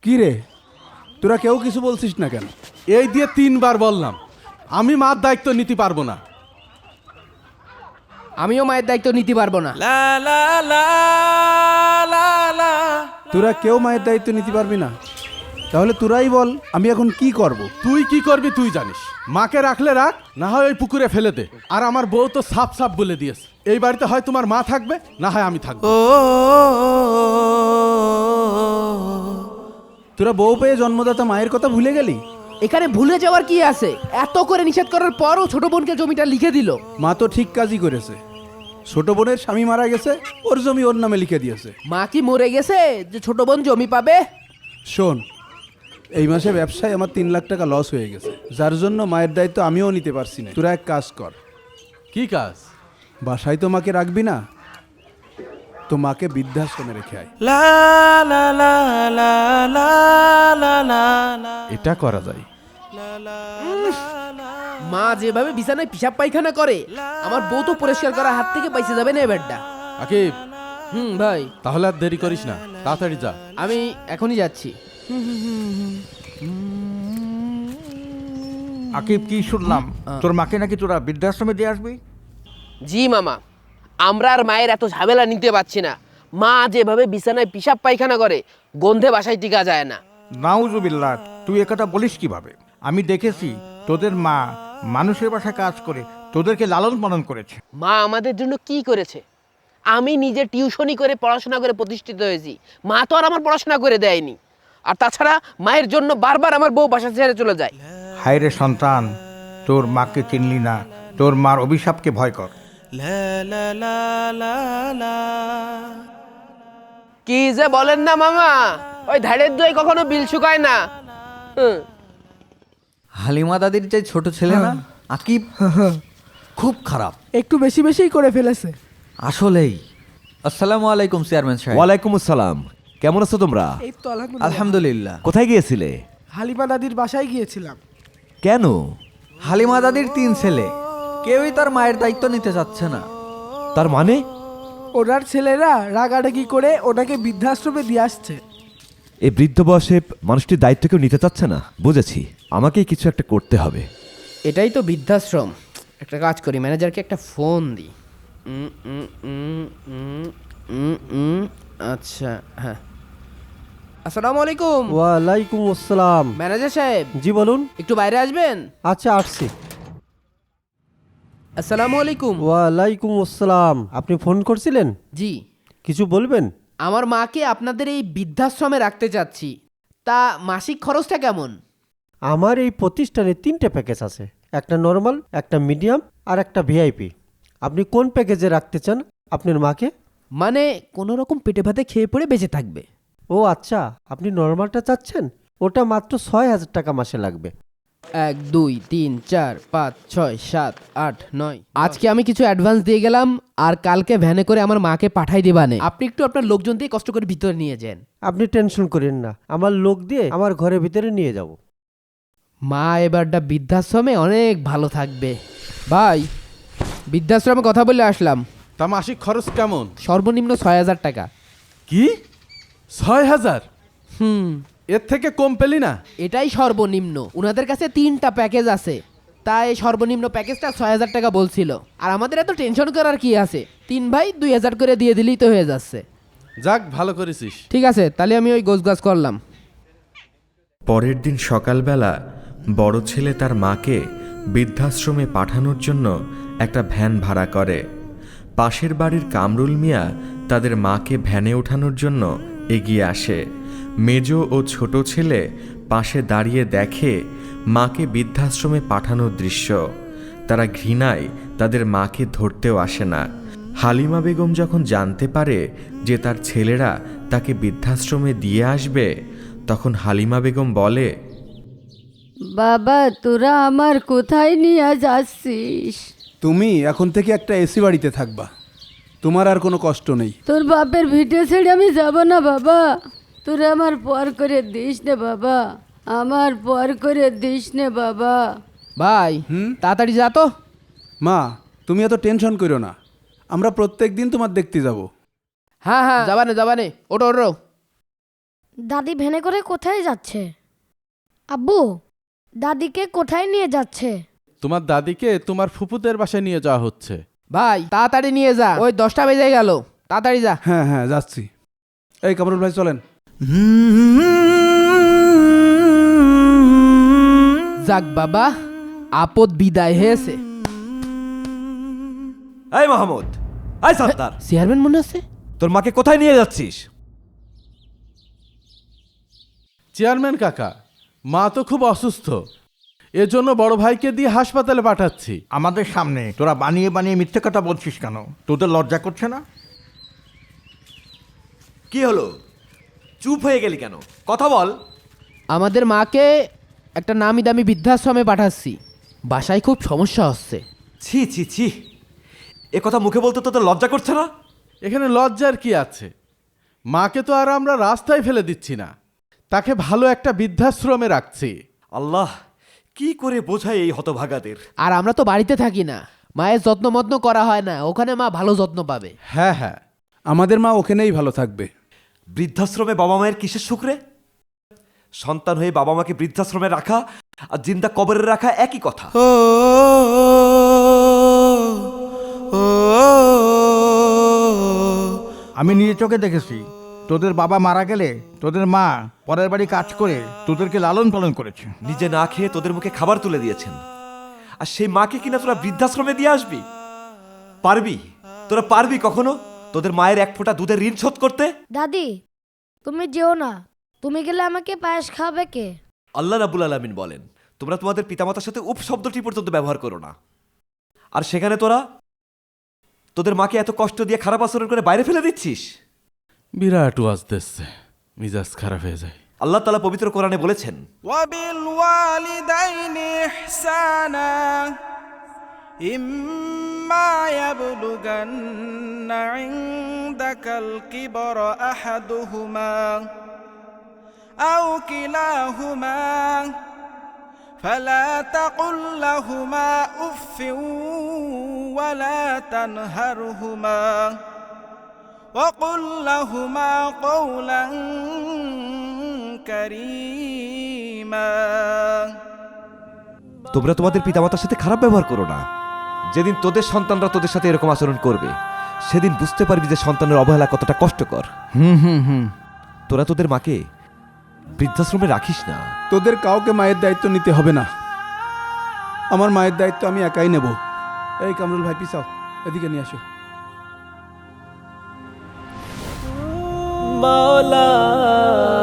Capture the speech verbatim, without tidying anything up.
কি রে, তোরা কেউ কিছু বলছিস না কেন? এই দিয়ে তিনবার বললাম আমি মার দায়িত্ব নিতে পারবো না। আমিও মায়ের দায়িত্ব নিতে পারবো না। তোরা কেউ মায়ের দায়িত্ব নিতে পারবি না? তাহলে তোরাই বল আমি এখন কি করব? তুই কি করবি তুই জানিস। মাকে রাখলে রাখ, না হয় ওই পুকুরে ফেলে দে। আর আমার বউ তো সাপ সাপ বলে দিয়েছে, এই বাড়িতে হয় তোমার মা থাকবে, না হয় আমি থাকবো। তোরা বউ পেয়ে জন্মদাতা মায়ের কথা ভুলে গেলি? এখানে ভুলে যাওয়ার কি আছে? এত করে নিষেধ করার পরও ছোট বোনকে জমিটা লিখে দিল। মা তো ঠিক কাজই করেছে। ছোট বোনের স্বামী মারা গেছে, ওর জমি ওর নামে লিখে দিয়েছে। মা কি মরে গেছে যে ছোট বোন জমি পাবে? শোন, এই মাসে ব্যবসায় আমার তিন লাখ টাকা লস হয়ে গেছে, যার জন্য মায়ের দায়িত্ব আমিও নিতে পারছি না। তোরা এক কাজ কর। কি কাজ? বাসায় তো মাকে রাখবি না, তো মাকে বৃদ্ধাশ্রমে রেখে আয়। এটা করা যায়। মা যেভাবে বিছানায় পিসাব পায়খানা করে, আমার বউ তো পরিষ্কার করার হাত থেকে পাইছে যাবে না এবারটা। আকিব, হুম ভাই, তাহলে আর দেরি করিস না, তাড়াতাড়ি যা। আমি এখনই যাচ্ছি। আকিব, কি শুনলাম তোর মাকে নাকি তোরা বৃদ্ধাশ্রমে দিয়ে আসবি? জি মামা, আমরা আর মায়ের এত ঝামেলা নিতে পারছি না। মা যেভাবে বিছানায় পিসাব পায়খানা করে, গন্ধে বাসায় টিকা যায় না। নাউজুবিল্লাহ, তুই একথা বলিস কিভাবে? আমি দেখেছি তোদের মা মানুষের বাসায় কাজ করে তোদেরকে লালন পালন করেছে। মা আমাদের জন্য কি করেছে? আমি নিজে টিউশনি করে পড়াশোনা করে প্রতিষ্ঠিত হয়েছি, মা তো আর আমার পড়াশোনা করে দেয়নি। আর তাছাড়া মায়ের জন্য বারবার আমার বউ বাসা ছেড়ে চলে যায়। হায় রে সন্তান, তোর মাকে চিনলি না, তোর মার অভিশাপকে ভয় কর। কি যে বলেন না মামা, ওই ধারের দই কখনো বিল শুকায় না। হুম। হালিমা দাদির যে ছোট ছেলে না আকিব, খুব খারাপ, একটু বেশি বেশিই করে ফেলেছে। আসলেই। আসসালামু আলাইকুম চেয়ারম্যান সাহেব। ওয়ালাইকুম আসসালাম। কেমন আছো তোমরা? এই তো আলহামদুলিল্লাহ। আলহামদুলিল্লাহ। কোথায় গিয়েছিলে? হালিমা দাদির বাসায় গিয়েছিলাম। কেন? হালিমা দাদির তিন ছেলে, কেউই তার মায়ের দায়িত্ব নিতে চাচ্ছে না। তার মানে? ওনার ছেলেরা রাগারাগি করে ওনাকে বৃদ্ধাশ্রমে দিয়ে আসছে। এই বৃদ্ধ বয়সে মানুষটির দায়িত্ব কেউ নিতে চাচ্ছে না। বুঝেছি, আমাকেই কিছু একটা করতে হবে। এটাই তো বৃদ্ধাশ্রম। একটা কাজ করি, ম্যানেজারকে একটা ফোন দিই। উম, উম, উম, উম, উম, উম, আচ্ছা, হ্যাঁ। আসসালামু আলাইকুম। ওয়ালাইকুম আসসালাম। ম্যানেজার সাহেব, জি বলুন। একটু বাইরে আসবেন? আচ্ছা, আসছি। আসসালামু আলাইকুম। ওয়ালাইকুম আসসালাম। আপনি ফোন করছিলেন? জি, কিছু বলবেন? আমার মাকে আপনাদের এই বৃদ্ধাশ্রমে রাখতে চাচ্ছি, তা মাসিক খরচটা কেমন? আমার এই প্রতিষ্ঠানে তিনটে প্যাকেজ আছে, একটা নর্মাল, একটা মিডিয়াম আর একটা ভিআইপি। আপনি কোন প্যাকেজে রাখতে চান আপনার মাকে? মানে কোনো রকম পেটে ভাতে খেয়ে পড়ে বেঁচে থাকবে। ও আচ্ছা, আপনি নর্মালটা চাচ্ছেন? ওটা মাত্র ছয় হাজার টাকা মাসে লাগবে। এক দুই তিন চার পাঁচ ছয় সাত আট নয়। আজকে আমি কিছু অ্যাডভান্স দিয়ে গেলাম, আর কালকে ভ্যানে করে আমার মাকে পাঠাই দিবানে। আপনি একটু আপনার লোকজন দিয়ে কষ্ট করে ভিতরে নিয়ে যান। আপনি টেনশন করেন না, আমার লোক দিয়ে আমার ঘরের ভিতরে নিয়ে যাব। মা এবারটা বৃদ্ধাশ্রমে অনেক ভালো থাকবে। ভাই, বৃদ্ধাশ্রমে কথা বলে আসলাম। তা মাসিক খরচ কেমন? সর্বনিম্ন ছয় হাজার টাকা। কি? ছয় হাজার? হুম, এর থেকে কম পেলি না? এটাই সর্বনিম্ন। ওনাদের কাছে তিনটা প্যাকেজ আছে, তাই সর্বনিম্ন প্যাকেজটা ছয় হাজার টাকা বলছিল। আর আমাদের এত টেনশন করার কি আছে? তিন ভাই দুই হাজার করে দিয়ে দিলেই তো হয়ে যাচ্ছে। যাক, ভালো করেছিস। ঠিক আছে, তাহলে আমি ওই গোছগাছ করলাম। পরের দিন সকালবেলা বড় ছেলে তার মাকে বৃদ্ধাশ্রমে পাঠানোর জন্য একটা ভ্যান ভাড়া করে। পাশের বাড়ির কামরুল মিয়া তাদের মাকে ভ্যানে ওঠানোর জন্য এগিয়ে আসে। মেজ ও ছোট ছেলে পাশে দাঁড়িয়ে দেখে মাকে বৃদ্ধাশ্রমে পাঠানোর দৃশ্য। তারা ঘৃণায় তাদের মাকে ধরতেও আসে না। হালিমা বেগম যখন জানতে পারে যে তার ছেলেরা তাকে বৃদ্ধাশ্রমে দিয়ে আসবে, তখন হালিমা বেগম বলে, বাবা, তোরা আমার কোথায় নিয়ে যাচ্ছিস? তুমি এখন থেকে একটা এসি বাড়িতে থাকবা, তোমার আর কোনো কষ্ট নেই। তোর বাপের ভিটে ছেড়ে আমি যাব না বাবা। তোরা আমার পর করে দিস নে বাবা, আমার পর করে দিস নে বাবা। ভাই, তাড়াতাড়ি যা তো। মা, তুমি এত টেনশন করো না, আমরা প্রত্যেক দিন তোমার দেখতে যাব। হ্যাঁ হ্যাঁ, যাবানে যাবানে, ওটো ওটো। দাদি ভ্যানে করে কোথায় যাচ্ছে? আব্বু, দাদিকে কোথায় নিয়ে যাচ্ছে? তোমার দাদিকে তোমার ফুপুদের বাসায় নিয়ে যাওয়া হচ্ছে। ভাই তাড়াতাড়ি নিয়ে যা, ওই দশটা বেজে গেল, তাড়াতাড়ি যা। হ্যাঁ হ্যাঁ যাচ্ছি। এই কামরুল ভাই চলেন। যাক বাবা, আপদ বিদায় হয়েছে। এই মাহমুদ, এই সত্তার, চেয়ারম্যান মনে আছে? তোর মাকে কোথায় নিয়ে যাচ্ছিস? চেয়ারম্যান কাকা, মা তো খুব অসুস্থ, এজন্য বড় ভাইকে দিয়ে হাসপাতালে পাঠাচ্ছি। আমাদের সামনে তোরা বানিয়ে বানিয়ে মিথ্যে কথা বলছিস কেন? তোদের লজ্জা করছে না? কি হলো, চুপ হয়ে গেলি কেন? কথা বল। আমাদের মাকে একটা নামি দামি বৃদ্ধাশ্রমে পাঠাচ্ছি, বাসায় খুব সমস্যা হচ্ছে। ছি ছি ছি, এ কথা মুখে বলতে তোদের লজ্জা করছে না? এখানে লজ্জার কি আছে? মাকে তো আর আমরা রাস্তায় ফেলে দিচ্ছি না, তাকে ভালো একটা বৃদ্ধাশ্রমে রাখছি। আল্লাহ, কি করে বোঝায় এই হতভাগাদের। আর আমরা তো বাড়িতে থাকি না, মায়ের যত্ন মত্ন করা হয় না, ওখানে মা ভালো যত্ন পাবে। হ্যাঁ হ্যাঁ, আমাদের মা ওখানেই ভালো থাকবে। বৃদ্ধাশ্রমে বাবা মায়ের কিসের সুখ রে? সন্তান হয়ে বাবা মাকে বৃদ্ধাশ্রমে রাখা আর জিন্দা কবরে রাখা একই কথা। আমি নিজে চোখে দেখেছি, তোদের বাবা মারা গেলে তোদের মা পরের বাড়ি কাজ করে তোদেরকে লালন পালন করেছে। নিজে না খেয়ে তোদের মুখে খাবার তুলে দিয়েছেন, আর সেই মাকে কিনা তোরা বৃদ্ধাশ্রমে দিয়ে আসবি? পারবি? তোরা পারবি কখনো তোদের মায়ের এক ফোঁটা দুধের ঋণ শোধ করতে? দাদি, তুমি যেও না, তুমি গেলে আমাকে পায়েস খাবে কে? আল্লাহ রাব্বুল আলামিন বলেন, তোমরা তোমাদের পিতামাতার সাথে উপ শব্দটি পর্যন্ত ব্যবহার করো না। আর সেখানে তোরা তোদের মাকে এত কষ্ট দিয়ে খারাপ আচরণ করে বাইরে ফেলে দিচ্ছিস। বিরাট ওয়াজ দিচ্ছে, মিজাজ খারাপ হয়ে যায়। আল্লাহ তাআলা পবিত্র কোরআনে বলেছেন, وبالوالدين إحسانا إما يبلغن عندك الكبر أحدهما أو كلاهما فلا تقل لهما أف ولا تنهرهما وقل لهما قولا كريما। তোমরা তোমাদের পিতামাতার সাথে খারাপ ব্যবহার করো না। যেদিন তোদের সন্তানরা তোদের সাথে এরকম আচরণ করবে, সেদিন বুঝতে পারবি যে সন্তানের অবহেলা কতটা কষ্টকর। হুম হুম হুম তোরা তোদের মাকে বৃদ্ধাশ্রমে রাখিস না। তোদের কাউকে মায়ের দায়িত্ব নিতে হবে না, আমার মায়ের দায়িত্ব আমি একাই নেব। এই কামরুল ভাই পিছাও, এদিকে নিয়ে আসো। মাওলা